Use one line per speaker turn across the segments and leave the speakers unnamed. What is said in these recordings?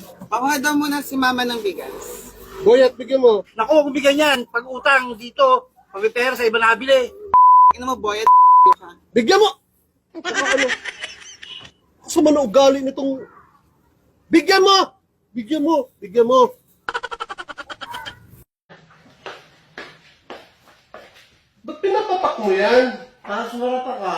Pakuha daw muna si mama ng bigas.
Boyet, bigyan mo.
Naku, kung bigyan yan, pag utang dito, pag may pera sa iba nakabili.
Tingnan mo, boy, ka.
Bigyan mo! Ano? Sa man ugali nitong... Bigyan mo! Bigyan mo! Bigyan mo! Ba't pinapapak mo yan?
Para sumarata ka.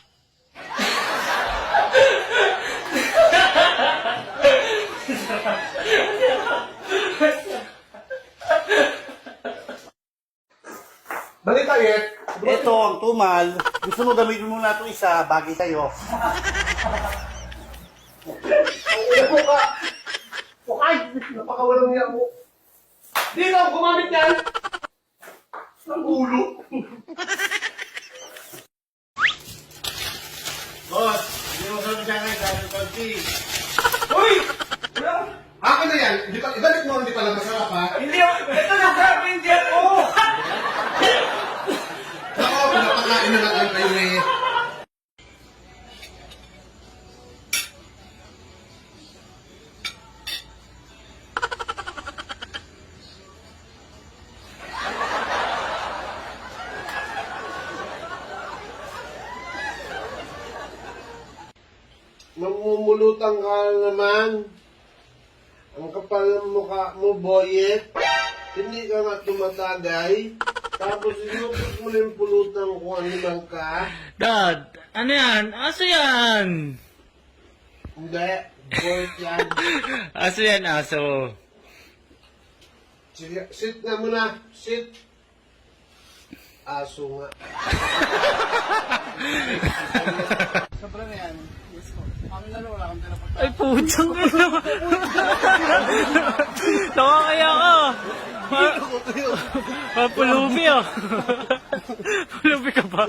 Balita, Yet.
Ito ang tumal. Gusto mo gamitin mo na itong isa, bagay sa'yo.
Upo ka! Ay! Napakawalang niya mo. Di na ako gumamit yan! Ang ulo.
Boss, hindi mo sabi siya kayo dahil konti.
Hoy! Akin na yan. Ibalik mo, hindi pala masarap, ha?
Hindi, ito na sabi hindi ako.
Ako, pinapakain na lang kayo eh. Mamumulutang ka naman. Ang kapal ng mukha mo, Boyet. Hindi ka nga tumatagay. Tapos inupos mo na yung pulutan kung ano lang ka.
Dad, ano yan? Aso yan?
Hindi. Boyet yan.
Aso yan, aso.
Sige, sit na muna. Sit. Aso nga.
Sobrang yan. Yes po. Kami lalo, wala kang tinapag.
Ay, putang ina. Nakakaya ka. Pulubi ah. Pulubi ka ba?